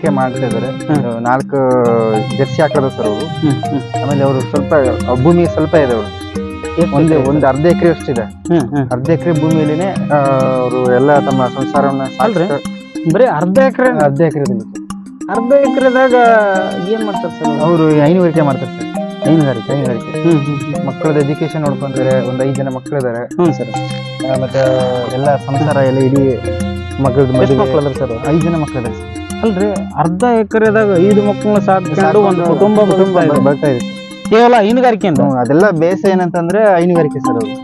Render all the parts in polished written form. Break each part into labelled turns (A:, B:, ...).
A: ಹೈನುಗಾರಿಕೆ ಮಾಡ್ತಾ ಇದಾರೆ. 4 ಜರ್ಸಿ ಹಾಕೋದು ಸರ್ ಅವರು. ಆಮೇಲೆ ಅವರು ಸ್ವಲ್ಪ ಭೂಮಿ ಸ್ವಲ್ಪ ಇದೆ ಅವರು. ಒಂದು ಅರ್ಧ ಎಕರೆ ಅಷ್ಟಿದೆ. ಅರ್ಧ ಎಕರೆ ಭೂಮಿಯಲ್ಲಿನೇ ಅವರು ಎಲ್ಲ ತಮ್ಮ ಸಂಸಾರವನ್ನ
B: ಬರೀ ಅರ್ಧ ಎಕರೆ ಅರ್ಧ ಎಕರೆದಾಗ ಏನ್ ಮಾಡ್ತಾರೆ ಸರ್
A: ಅವರು? ಹೈನುಗಾರಿಕೆ ಮಾಡ್ತಾರೆ ಸರ್. ಹೈನುಗಾರಿಕೆ ಮಕ್ಕಳದ ಎಜುಕೇಶನ್ ನೋಡ್ಕೊಂತಾರೆ. ಒಂದು 5 ಜನ ಮಕ್ಕಳಿದ್ದಾರೆ.
B: ಸರ್.
A: ಮತ್ತೆ ಎಲ್ಲ ಸಂಸಾರ ಎಲ್ಲ ಇಡೀ ಮಕ್ಕಳದ
B: ಮಕ್ಕಳದ್ರ ಸರ್?
A: 5 ಜನ ಮಕ್ಕಳಿದ್ದಾರೆ.
B: ಅಲ್ರಿ, ಅರ್ಧ ಎಕರೆದಾಗ 5 ಮಕ್ಕಳನ್ನ ಸಾಕೊಂಡು ಒಂದು ಕುಟುಂಬ
A: ಬರ್ತಾ ಇದೆ
B: ಕೇವಲ ಹೈನುಗಾರಿಕೆ.
A: ಅದೆಲ್ಲ ಬೇಸ ಏನಂತಂದ್ರೆ ಹೈನುಗಾರಿಕೆ ಸರ್. ಅವರು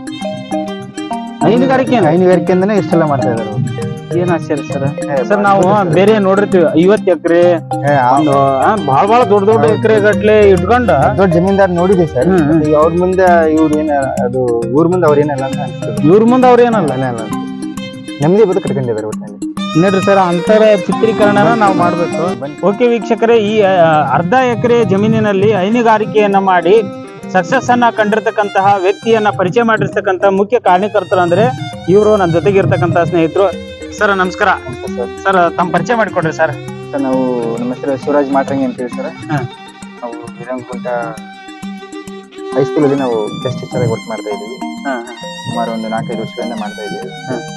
A: ಹೈನುಗಾರಿಕೆಯಿಂದನೇ ಇಷ್ಟೆಲ್ಲ ಮಾಡ್ತಾ ಇದಾರೆ ಅವರು.
B: ಏನ್ ಆಶ್ಚರ್ಯ ಸರ್. ಸರ್ ನಾವು ಬೇರೆ ನೋಡಿರ್ತೀವಿ 50 ಎಕರೆ ಬಹಳ ದೊಡ್ಡ ಎಕರೆ ಗಟ್ಲೆ ಇಟ್ಕೊಂಡ
A: ದೊಡ್ಡ ಜಮೀನ್ದಾರ್ ನೋಡಿದೆ ಸರ್. ಅವ್ರ ಮುಂದೆ ಇವ್ರು ಏನ ಅದು ಊರ್ ಮುಂದೆ ಅವ್ರ ಏನಲ್ಲ ಅಂತ ಅನ್ಸ್ತದೆ.
B: ಇವ್ರ ಮುಂದೆ ಅವ್ರ ಏನಲ್ಲ
A: ನೆಮ್ಮದಿ ಬದುಕು ಕಟ್ಕೊಂಡಿದ್ದಾರೆ ಒಟ್ಟಿನಲ್ಲಿ.
B: ನೋಡ್ರಿ ಸರ್, ಅಂತರ ಚಿತ್ರೀಕರಣನ ನಾವು ಮಾಡ್ಬೇಕು. ಓಕೆ ವೀಕ್ಷಕರೇ, ಈ ಅರ್ಧ ಎಕರೆ ಜಮೀನಿನಲ್ಲಿ ಹೈನುಗಾರಿಕೆಯನ್ನ ಮಾಡಿ ಸಕ್ಸಸ್ ಅನ್ನ ಕಂಡಿರ್ತಕ್ಕಂತಹ ವ್ಯಕ್ತಿಯನ್ನ ಪರಿಚಯ ಮಾಡಿರ್ತಕ್ಕಂಥ ಮುಖ್ಯ ಕಾರಣಕರ್ತರು ಅಂದ್ರೆ ಇವರು ನನ್ನ ಜೊತೆಗೆ ಇರ್ತಕ್ಕಂಥ ಸ್ನೇಹಿತರು. ಸರ್ ನಮಸ್ಕಾರ. ಸರ್ ತಮ್ಮ ಪರಿಚಯ ಮಾಡಿಕೊಡ್ರಿ ಸರ್.
A: ನಾವು ನಮ್ಮ ಹೆಸರು ಶಿವರಾಜ್ ಮಾಟ್ರಂಗಿ ಅಂತೇಳಿ ಸರ್. ನಾವು ವಿರಂಕುಂಟ ಹೈಸ್ಕೂಲ್ ಅಲ್ಲಿ ನಾವು ಗೆಸ್ಟ್ ಟೀಚರ್ ಆಗಿ ವರ್ಕ್ ಮಾಡ್ತಾ ಇದ್ದೀವಿ. ಸುಮಾರು ಒಂದು 4-5 ವರ್ಷಗಳಿಂದ ಮಾಡ್ತಾ ಇದ್ದೀವಿ.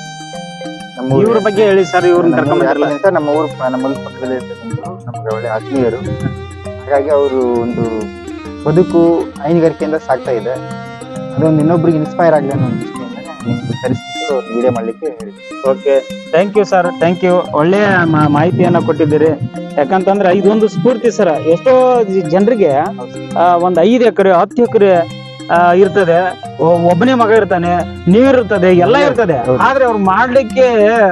B: ಇವ್ರ ಬಗ್ಗೆ ಹೇಳಿ ಸರ್. ಇವ್ರನ್ನ ಕರ್ಕೊಂಡ್
A: ನಮ್ಮ ಊರು ಪಕ್ಕದಲ್ಲಿ ಇರ್ತಕ್ಕಂಥ ನಮ್ಗೆ ಒಳ್ಳೆ ಆತ್ಮೀಯರು. ಹಾಗಾಗಿ ಅವರು ಒಂದು ಬದುಕು ಹೈನುಗಾರಿಕೆಯಿಂದ ಸಾಗ್ತಾ ಇದೆ. ಅದೊಂದು ಇನ್ನೊಬ್ರಿಗೆ ಇನ್ಸ್ಪೈರ್ ಆಗಲಿ ಅನ್ನೋ ದೃಷ್ಟಿಯಿಂದ ಕರೆಸಿಬಿಟ್ಟು ವಿಡಿಯೋ ಮಾಡ್ಲಿಕ್ಕೆ ಹೇಳಿ.
B: Okay, thank you sir, thank you. ಒಳ್ಳೆಯ ಮಾಹಿತಿಯನ್ನ ಕೊಟ್ಟಿದ್ದೀರಿ. ಯಾಕಂತಂದ್ರೆ ಇದೊಂದು ಸ್ಫೂರ್ತಿ ಸರ್. ಎಷ್ಟೋ ಜನರಿಗೆ ಒಂದ್ 5 ಎಕರೆ 10 ಎಕರೆ ಇರ್ತದೆ, ಒಬ್ಬನೇ ಮಗ ಇರ್ತಾನೆ, ನೀರ್ ಇರ್ತದೆ, ಎಲ್ಲ ಇರ್ತದೆ. ಆದ್ರೆ ಅವ್ರು ಮಾಡ್ಲಿಕ್ಕೆ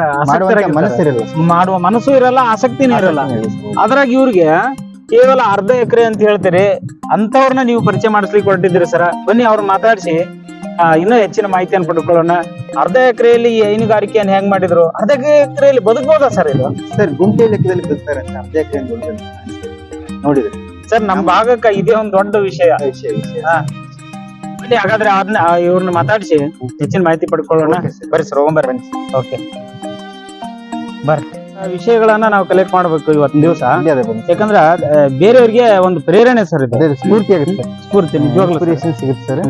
B: ಮಾಡುವ ಮನಸ್ಸು ಇರಲ್ಲ, ಆಸಕ್ತಿನೂ ಇರಲ್ಲ. ಅದ್ರಾಗ ಇವ್ರಿಗೆ ಕೇವಲ ಅರ್ಧ ಎಕರೆ ಅಂತ ಹೇಳ್ತೀರಿ. ಅಂತವ್ರನ್ನ ನೀವು ಪರಿಚಯ ಮಾಡಿಸ್ಲಿಕ್ಕೆ ಹೊರಟಿದ್ದೀರಿ ಸರ್. ಬನ್ನಿ ಅವ್ರು ಮಾತಾಡಿಸಿ ಇನ್ನೂ ಹೆಚ್ಚಿನ ಮಾಹಿತಿಯನ್ನು ಪಡ್ಕೊಳ್ಳೋಣ. ಅರ್ಧ ಎಕರೆಯಲ್ಲಿ ಈ ಹೈನುಗಾರಿಕೆಯನ್ನು ಹೆಂಗ್ ಮಾಡಿದ್ರು? ಅರ್ಧ ಎಕರೆಯಲ್ಲಿ ಬದುಕಬಹುದಾ ಸರ್ ಇದು?
A: ಸರ್ ಗುಂಪೆ ಲೆಕ್ಕದಲ್ಲಿ ಬದುಕ್ತಾರೆ ಅಂತ ಅರ್ಧ ಎಕರೆ ನೋಡಿದ್ರೆ
B: ಸರ್ ನಮ್ ಭಾಗಕ್ಕೆ ಇದೇ ಒಂದು ದೊಡ್ಡ ವಿಷಯ. ಬನ್ನಿ ಹಾಗಾದ್ರೆ ಅದನ್ನ ಇವ್ರನ್ನ ಮಾತಾಡಿಸಿ ಹೆಚ್ಚಿನ ಮಾಹಿತಿ ಪಡ್ಕೊಳ್ಳೋಣ. ಬರ್ರಿ ಸರ್, ಹೋಗ್ಬರ್ರಿ. ಓಕೆ ಬರ್ರಿ. ವಿಷಯಗಳನ್ನ ನಾವು ಕಲೆಕ್ಟ್ ಮಾಡ್ಬೇಕು ಇವತ್ತಿನ ದಿವಸ. ಯಾಕಂದ್ರ ಬೇರೆಯವ್ರಿಗೆ ಒಂದು ಪ್ರೇರಣೆ ಸರ್. ಇದು
A: ಸ್ಫೂರ್ತಿ ಆಗುತ್ತೆ.
B: ಸ್ಫೂರ್ತಿ ನಿಜವಾಗ್ಲೂ
A: ಸಿಗುತ್ತೆ ಸರ್.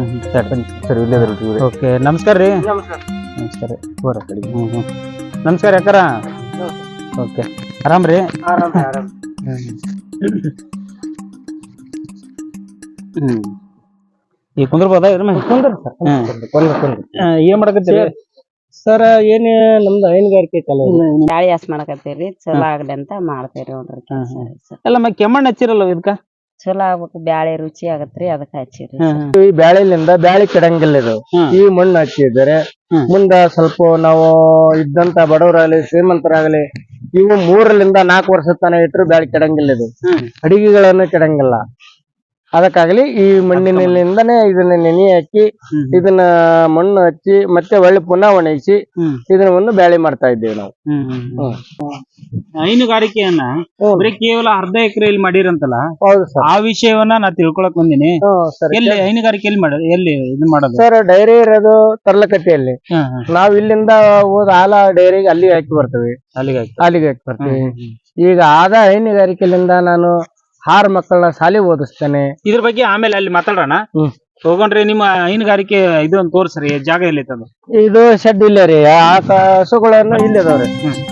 B: ಓಕೆ, ನಮಸ್ಕಾರ ರೀ. ನಮಸ್ಕಾರ. ನಮಸ್ಕಾರ ಯಾಕಾರ. ಓಕೆ, ಆರಾಮ್ರಿ? ಈ ಕುಂದ್ರಬೋದ? ಏನ್ ಮಾಡಕತ್ತೀರಿ
C: ಸರ್? ಏನ್ ನಮ್ದು ಹೈನುಗಾರಿಕೆ
D: ಬ್ಯಾಳಿ ಹಸ್ ಮಾಡಕತ್ತೀರಿ. ಚಲೋ ಆಗ್ಲಿ ಅಂತ ಮಾಡ್ತೇರಿ ನೋಡ್ರಿ ಕೆಲಸ.
B: ಎಲ್ಲ ಕೆಮ್ಮಣ್ಣು ಹಚ್ಚಿರಲ್ಲ ಇದಕ್ಕ?
D: ಚಲೋ ಆಗ್ಬೇಕು, ಬ್ಯಾಳಿ ರುಚಿ ಆಗತ್ರಿ, ಅದಕ್ಕ ಹಚ್ಚಿರಿ.
C: ಈ ಬ್ಯಾಳಿಲಿಂದ ಬ್ಯಾಳಿ ಕೆಡಂಗಿಲ್ಲ. ಇದು ಈ ಮಣ್ಣು ಹಚ್ಚಿದರೆ ಮುಂದ ಸ್ವಲ್ಪ ನಾವು ಇದ್ದಂತ ಬಡವರಾಗಲಿ ಶ್ರೀಮಂತರಾಗಲಿ ಇವು 3-4 ವರ್ಷ ತನ ಇಟ್ಟರು ಬ್ಯಾಳಿ ಕೆಡಂಗಿಲ್ಲ. ಇದು ಅಡಿಗೆಗಳನ್ನು ಕೆಡಂಗಿಲ್ಲ. ಅದಕ್ಕಾಗಲಿ ಈ ಮಣ್ಣಿನಿಂದನೇ ಇದನ್ನ ನೆನೆ ಹಾಕಿ ಇದನ್ನ ಮಣ್ಣು ಹಚ್ಚಿ ಮತ್ತೆ ಒಳ್ಳೆ ಪುನಃ ಒಣಗಿಸಿ ಇದನ್ನ ಒಂದು ಬ್ಯಾಳಿ ಮಾಡ್ತಾ ಇದ್ದೇವೆ ನಾವು.
B: ಹೈನುಗಾರಿಕೆಯನ್ನ ಕೇವಲ ಅರ್ಧ ಎಕರೆಯಲ್ಲಿ ಮಾಡಿರಂತಲ್ಲ?
C: ಹೌದು ಸರ್.
B: ಆ ವಿಷಯವನ್ನ ನಾ ತಿಳ್ಕೊಳಕ್ ಬಂದಿನಿ. ಎಲ್ಲಿ ಹೈನುಗಾರಿಕೆಯಲ್ಲಿ ಎಲ್ಲಿ ಇದನ್ನ ಮಾಡೋದು
C: ಸರ್? ಡೈರಿ ಇರೋದು ತರ್ಲಕಟ್ಟೆಯಲ್ಲಿ. ನಾವ್ ಇಲ್ಲಿಂದ ಹೋದ ಹಾಲ ಡೈರಿಗೆ ಅಲ್ಲಿ ಹಾಕಿ ಬರ್ತೇವೆ. ಅಲ್ಲಿಗೆ ಹಾಕಿ ಬರ್ತೀವಿ. ಈಗ ಆದ ಹೈನುಗಾರಿಕೆಯಿಂದ ನಾನು 6 ಮಕ್ಕಳನ್ನ ಶಾಲೆ ಓದಿಸ್ತೇನೆ.
B: ಇದ್ರ ಬಗ್ಗೆ ಆಮೇಲೆ ಅಲ್ಲಿ ಮಾತಾಡೋಣ. ಹೋಗೋಣ್ರಿ. ನಿಮ್ಮ ಹೈನುಗಾರಿಕೆ ಇದು ಒಂದು ತೋರ್ಸ್ರಿ, ಜಾಗ ಎಲ್ಲಿ ಐತದು?
C: ಇದು ಶೆಡ್ ಇಲ್ಲ ರೀ. ಆ ಹಸುಗಳನ್ನು ಇಲ್ಲಿ ಅದಾವ್ರಿ.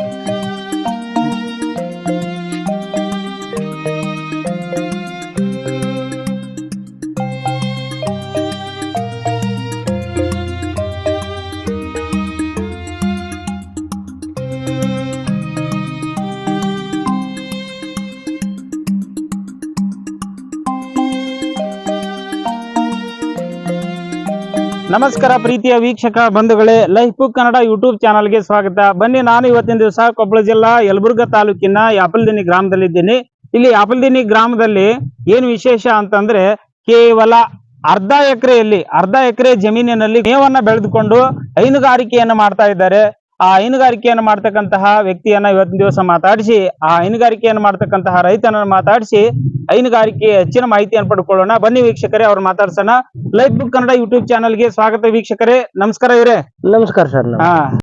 B: ನಮಸ್ಕಾರ ಪ್ರೀತಿಯ ವೀಕ್ಷಕ ಬಂಧುಗಳೇ, ಲೈಫ್ ಬುಕ್ ಕನ್ನಡ ಯೂಟ್ಯೂಬ್ ಚಾನಲ್ಗೆ ಸ್ವಾಗತ. ಬನ್ನಿ, ನಾನು ಇವತ್ತಿನ ದಿವಸ ಕೊಪ್ಪಳ ಜಿಲ್ಲಾ ಯಲಬುರ್ಗಾ ತಾಲೂಕಿನ ಯಾಪಲ್ದಿನಿ ಗ್ರಾಮದಲ್ಲಿದ್ದೀನಿ. ಇಲ್ಲಿ ಯಾಪಲ್ದಿನಿ ಗ್ರಾಮದಲ್ಲಿ ಏನು ವಿಶೇಷ ಅಂತಂದ್ರೆ, ಕೇವಲ ಅರ್ಧ ಎಕರೆ ಜಮೀನಿನಲ್ಲಿ ಮೇವನ್ನ ಬೆಳೆದುಕೊಂಡು ಹೈನುಗಾರಿಕೆಯನ್ನ ಮಾಡ್ತಾ ಇದ್ದಾರೆ. ಆ ಹೈನುಗಾರಿಕೆಯನ್ನು ಮಾಡ್ತಕ್ಕಂತಹ ವ್ಯಕ್ತಿಯನ್ನ ಇವತ್ತಿನ ದಿವಸ ಮಾತಾಡಿಸಿ, ಆ ಹೈನುಗಾರಿಕೆಯನ್ನು ಮಾಡ್ತಕ್ಕಂತಹ ರೈತನನ್ನ ಮಾತಾಡಿಸಿ ಹೈನುಗಾರಿಕೆ ಹೆಚ್ಚಿನ ಮಾಹಿತಿಯನ್ನು ಪಡ್ಕೊಳ್ಳೋಣ. ಬನ್ನಿ ವೀಕ್ಷಕರೇ, ಅವ್ರು ಮಾತಾಡ್ಸೋಣ. ಲೈಫ್ ಬುಕ್ ಕನ್ನಡ ಯೂಟ್ಯೂಬ್ ಚಾನಲ್ಗೆ ಸ್ವಾಗತ ವೀಕ್ಷಕರೇ. ನಮಸ್ಕಾರ ಇವ್ರೆ.
C: ನಮಸ್ಕಾರ ಸರ್.